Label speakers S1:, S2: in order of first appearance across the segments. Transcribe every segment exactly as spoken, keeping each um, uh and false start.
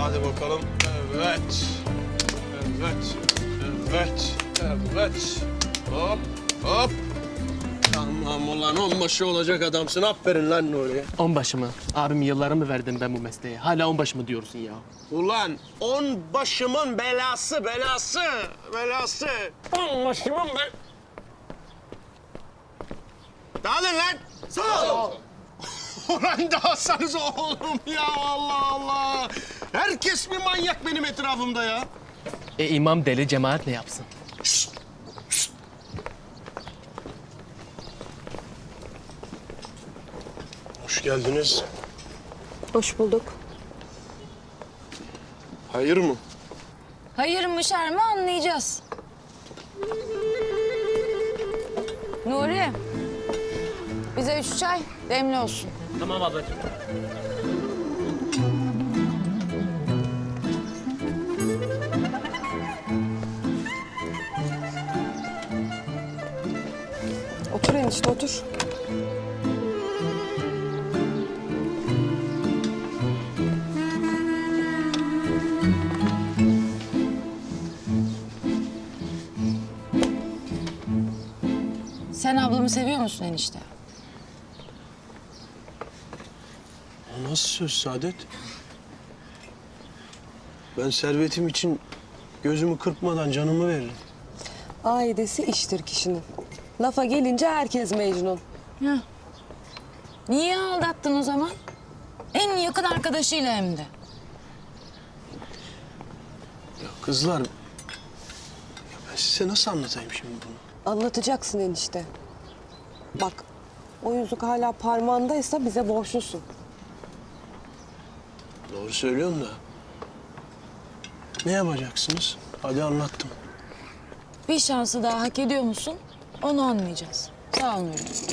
S1: Hadi bakalım. Evet. Evet. Evet. Evet. Hop. Hop. Tamam ulan onbaşı olacak adamsın. Aferin lan Nuri'ye.
S2: Onbaşı mı? Abim yıllarımı verdim ben bu mesleğe. Hala onbaşı mı diyorsun ya?
S1: Ulan onbaşımın belası, belası, belası. Onbaşımın be... Dağılın lan. Sağ ol. Ulan dağılsanız oğlum ya, Allah Allah. Herkes bir manyak benim etrafımda ya.
S2: E imam deli, cemaat ne yapsın?
S1: Şşt, şşt. Hoş geldiniz.
S3: Hoş bulduk.
S1: Hayır mı?
S4: Hayır mı şer mi anlayacağız. Nuri, bize üç çay demli olsun.
S2: Tamam ablacığım.
S3: Otur enişte otur.
S4: Sen ablamı seviyor musun enişte?
S1: O nasıl söz Saadet? Ben servetim için gözümü kırpmadan canımı veririm.
S3: Aidesi iştir kişinin. Lafa gelince herkes Mecnun.
S4: Heh. Niye aldattın o zaman? En yakın arkadaşıyla hem de.
S1: Ya kızlar, ya ben size nasıl anlatayım şimdi bunu?
S3: Anlatacaksın enişte. Bak, o yüzük hala parmağındaysa bize borçlusun.
S1: Doğru söylüyorsun da. Ne yapacaksınız? Hadi anlattım.
S4: Bir şansı daha hak ediyor musun? Onu anlayacağız. Sağ ol Nuri.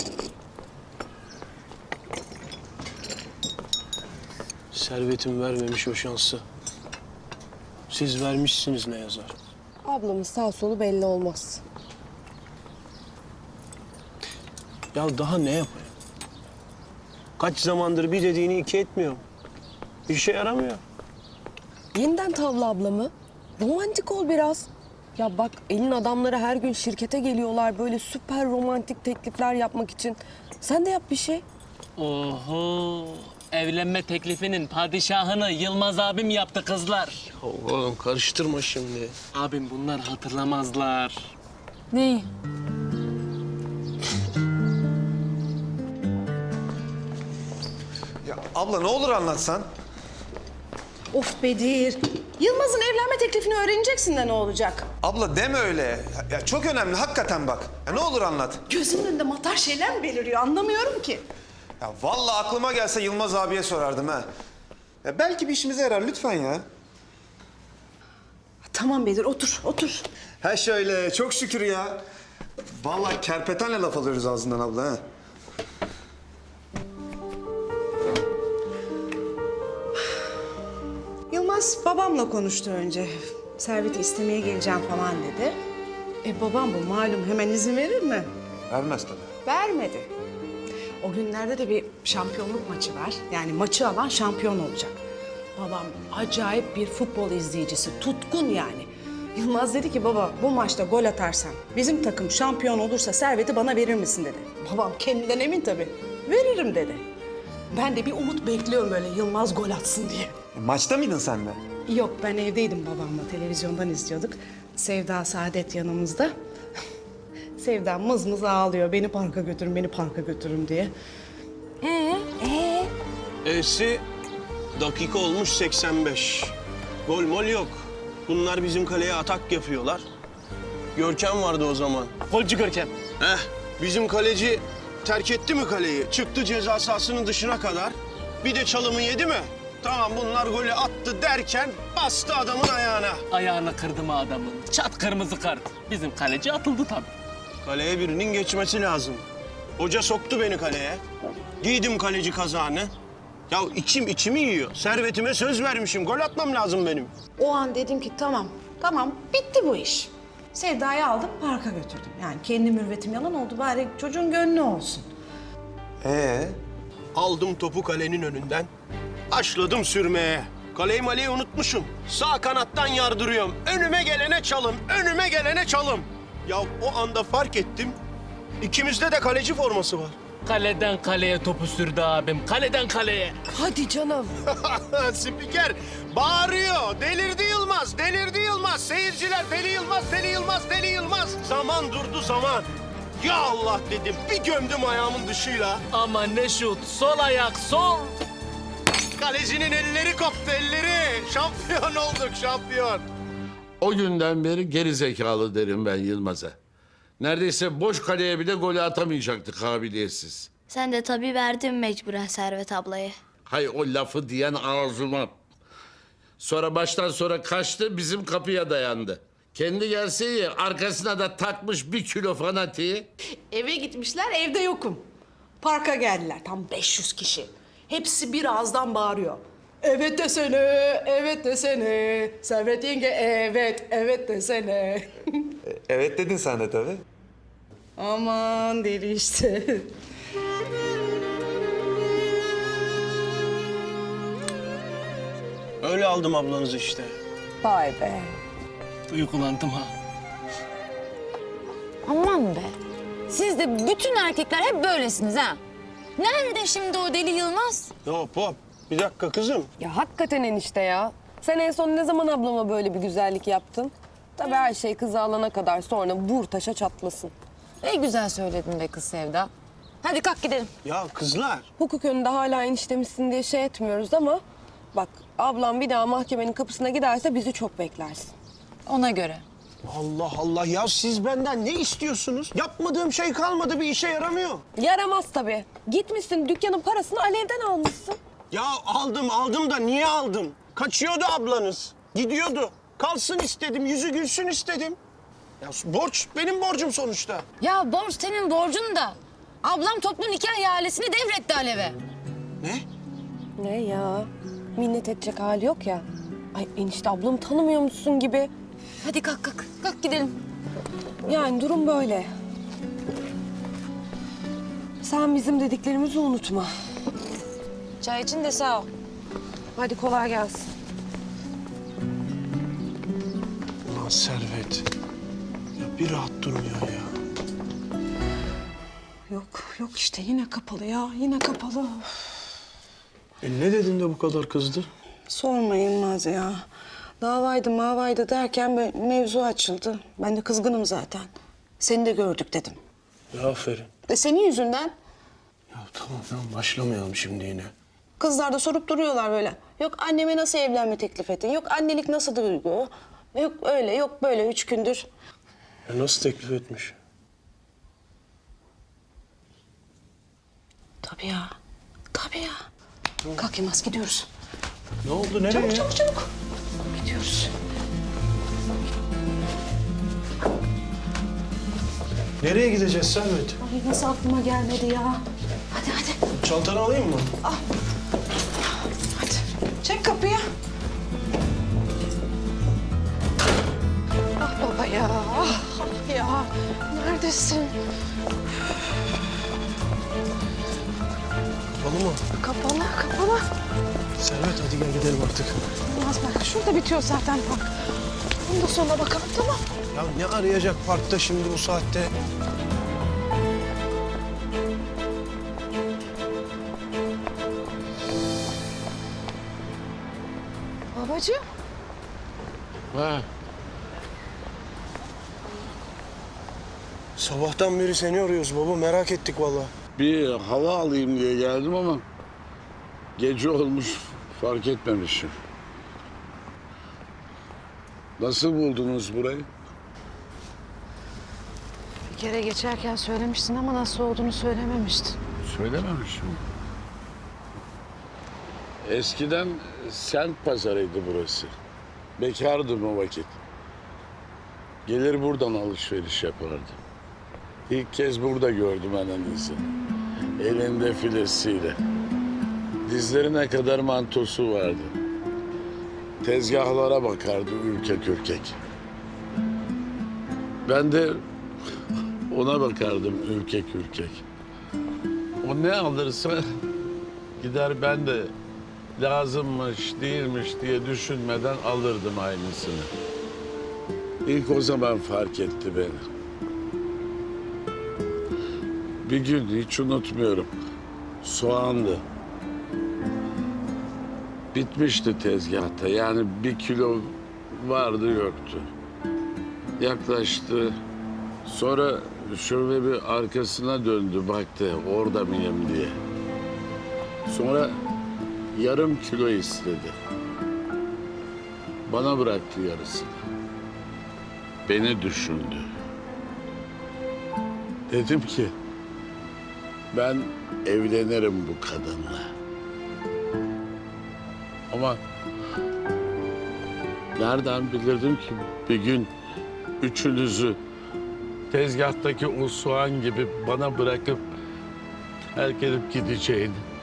S1: Servetim vermemiş o şansı. Siz vermişsiniz ne yazar?
S3: Ablamın sağ solu belli olmaz.
S1: Ya daha ne yapayım? Kaç zamandır bir dediğini iki etmiyorum. Bir şey yaramıyor.
S3: Yeniden tavla ablamı. Romantik ol biraz. Ya bak elin adamları her gün şirkete geliyorlar böyle süper romantik teklifler yapmak için. Sen de yap bir şey.
S2: Oho! Evlenme teklifinin padişahını Yılmaz abim yaptı kızlar.
S1: Oğlum karıştırma şimdi.
S2: Abim bunlar hatırlamazlar.
S4: Neyi?
S5: Ya abla ne olur anlatsan.
S6: Of Bedir. Yılmaz'ın evlenme teklifini öğreneceksin de ne olacak?
S5: Abla deme öyle. Ya, ya çok önemli hakikaten bak. Ya ne olur anlat.
S6: Gözümün önünde matar şeyler mi beliriyor anlamıyorum ki.
S5: Ya vallahi aklıma gelse Yılmaz abiye sorardım ha. Ya belki bir işimize yarar lütfen ya.
S6: Tamam Bedir otur otur.
S5: Ha şöyle çok şükür ya. Vallahi kerpetenle laf alıyoruz ağzından abla ha.
S6: Yılmaz babamla konuştu önce. Servet'i istemeye geleceğim falan dedi. E babam bu malum hemen izin verir mi?
S5: Vermez tabii.
S6: Vermedi. O günlerde de bir şampiyonluk maçı var. Yani maçı alan şampiyon olacak. Babam acayip bir futbol izleyicisi, tutkun yani. Yılmaz dedi ki baba bu maçta gol atarsam bizim takım şampiyon olursa serveti bana verir misin dedi. Babam kendinden emin tabii. Veririm dedi. Ben de bir umut bekliyorum böyle Yılmaz gol atsın diye.
S5: E, maçta mıydın sen de?
S6: Yok ben evdeydim babamla televizyondan izliyorduk. Sevda Saadet yanımızda. Sevda mız mız ağlıyor beni parka götürün beni parka götürün diye.
S4: Ee, ee?
S1: E'si dakika olmuş seksen beş. Gol mol yok. Bunlar bizim kaleye atak yapıyorlar. Görkem vardı o zaman.
S2: Golcü Görkem.
S1: Heh, bizim kaleci terk etti mi kaleyi? Çıktı ceza sahasının dışına kadar. Bir de çalımı yedi mi? Tamam bunlar golü attı derken bastı adamın ayağına.
S2: Ayağını kırdı mı adamın? Çat kırmızı kart. Bizim kaleci atıldı tabii.
S1: Kaleye birinin geçmesi lazım. Hoca soktu beni kaleye. Giydim kaleci kazağını. Ya içim içimi yiyor. Servetime söz vermişim. Gol atmam lazım benim.
S6: O an dedim ki tamam, tamam bitti bu iş. Sevda'yı aldım parka götürdüm. Yani kendi mürvetim yalan oldu bari çocuğun gönlü olsun.
S5: Ee?
S1: Aldım topu kalenin önünden. Başladım sürmeye. Kaleyi maleyi unutmuşum. Sağ kanattan yardırıyorum. Önüme gelene çalım, önüme gelene çalım. Ya o anda fark ettim. İkimizde de kaleci forması var.
S2: Kaleden kaleye topu sürdü abim. Kaleden kaleye.
S3: Hadi canım.
S1: Spiker bağırıyor. Delirdi Yılmaz, delirdi Yılmaz. Seyirciler Deli Yılmaz, Deli Yılmaz, Deli Yılmaz. Zaman durdu zaman. Ya Allah dedim. Bir gömdüm ayağımın dışıyla.
S2: Ama ne şut. Sol ayak sol.
S1: Kalecinin elleri koptu, elleri. Şampiyon olduk, şampiyon.
S7: O günden beri geri zekalı derim ben Yılmaz'a. Neredeyse boş kaleye bile golü atamayacaktı kabiliyetsiz.
S8: Sen de tabii verdin mecburen Servet ablayı.
S7: Hay o lafı diyen ağzıma. Sonra baştan sonra kaçtı bizim kapıya dayandı. Kendi gelse iyi arkasına da takmış bir kilo fanatiği.
S6: Eve gitmişler, evde yokum. Parka geldiler, tam beş yüz kişi. Hepsi bir ağızdan bağırıyor. Evet desene, evet desene. Servet yenge, evet, evet desene.
S5: Evet dedin sen de tabii.
S6: Aman deli işte.
S1: Öyle aldım ablanızı işte.
S3: Vay be.
S2: Uykulandım ha.
S4: Aman be. Siz de bütün erkekler hep böylesiniz ha. Nerede şimdi o deli Yılmaz?
S1: Hop hop. Bir dakika kızım.
S3: Ya hakikaten enişte ya. Sen en son ne zaman ablama böyle bir güzellik yaptın? Tabii her şey kızı alana kadar sonra vur taşa çatlasın.
S4: Ne güzel söyledin be kız Sevda. Hadi kalk gidelim.
S1: Ya kızlar.
S3: Hukuk önünde hala eniştemizsin diye şey etmiyoruz ama... Bak ablam bir daha mahkemenin kapısına giderse bizi çok beklersin.
S4: Ona göre.
S1: Allah Allah ya siz benden ne istiyorsunuz? Yapmadığım şey kalmadı, bir işe yaramıyor.
S3: Yaramaz tabii. Gitmişsin dükkanın parasını Alev'den almışsın.
S1: Ya aldım aldım da niye aldım? Kaçıyordu ablanız. Gidiyordu. Kalsın istedim, yüzü gülsün istedim. Ya borç benim borcum sonuçta.
S4: Ya borç senin borcun da. Ablam toplu nikah ihalesini devretti Alev'e.
S1: Ne?
S3: Ne ya? Minnet edecek hali yok ya. Ay enişte ablamı tanımıyor musun gibi.
S4: Hadi kalk kalk. Kalk gidelim.
S3: Yani durum böyle. Sen bizim dediklerimizi unutma.
S4: Çay için de sağ ol.
S3: Hadi kolay gelsin.
S1: Ulan Servet. Ya bir rahat durmuyor ya.
S6: Yok, yok işte yine kapalı ya, yine kapalı.
S1: E ne dedin de bu kadar kızdı?
S6: Sorma Yılmaz ya. Davaydı mavaydı derken böyle mevzu açıldı. Ben de kızgınım zaten. Seni de gördük dedim.
S1: Ya aferin.
S6: E senin yüzünden.
S1: Ya tamam tamam başlamayalım şimdi yine.
S6: Kızlar da sorup duruyorlar böyle. Yok anneme nasıl evlenme teklif ettin? Yok annelik nasıl duygu? Yok öyle, yok böyle üç gündür.
S1: Ya nasıl teklif etmiş?
S6: Tabii ya, tabii ya. Kalk Yılmaz gidiyoruz.
S1: Ne oldu nereye?
S6: Çabuk çabuk çabuk. Gidiyoruz.
S1: Nereye gideceğiz Servet?
S6: Ay nasıl aklıma gelmedi ya. Hadi hadi.
S1: Çantanı alayım mı?
S6: Hadi. Çek kapıyı. Ah baba ya. Ah, ah ya. Neredesin?
S1: Kapalı mı?
S6: Kapalı, kapalı.
S1: Servet hadi gel gidelim artık.
S6: Olmaz bak. Şurada bitiyor zaten park. Bunu da sonra bakalım tamam.
S1: Ya ne arayacak parkta şimdi bu saatte?
S6: Babacığım.
S7: Ha.
S1: Sabahtan beri seni arıyoruz baba merak ettik vallahi.
S7: Bir hava alayım diye geldim ama gece olmuş fark etmemişim. Nasıl buldunuz burayı?
S6: Bir kere geçerken söylemiştin ama nasıl olduğunu söylememiştin.
S7: Söylememişim. Eskiden sent pazarıydı burası. Bekardım o vakit. Gelir buradan alışveriş yapardım. İlk kez burada gördüm annenizi. Elinde filesiyle. Dizlerine kadar mantosu vardı. Tezgahlara bakardı ürkek ürkek. Ben de ona bakardım ürkek ürkek. O ne alırsa gider ben de lazımmış, değilmiş diye düşünmeden alırdım aynısını. İlk o zaman fark etti beni. Bir gün hiç unutmuyorum. Soğandı. Bitmişti tezgahta. Yani bir kilo vardı yoktu. Yaklaştı. Sonra şöyle bir arkasına döndü baktı orada mıyım diye. Sonra yarım kilo istedi. Bana bıraktı yarısını. Beni düşündü. Dedim ki ben evlenirim bu kadınla. Ama nereden bilirdim ki bir gün üçünüzü tezgahtaki o soğan gibi bana bırakıp terk edip gideceğini.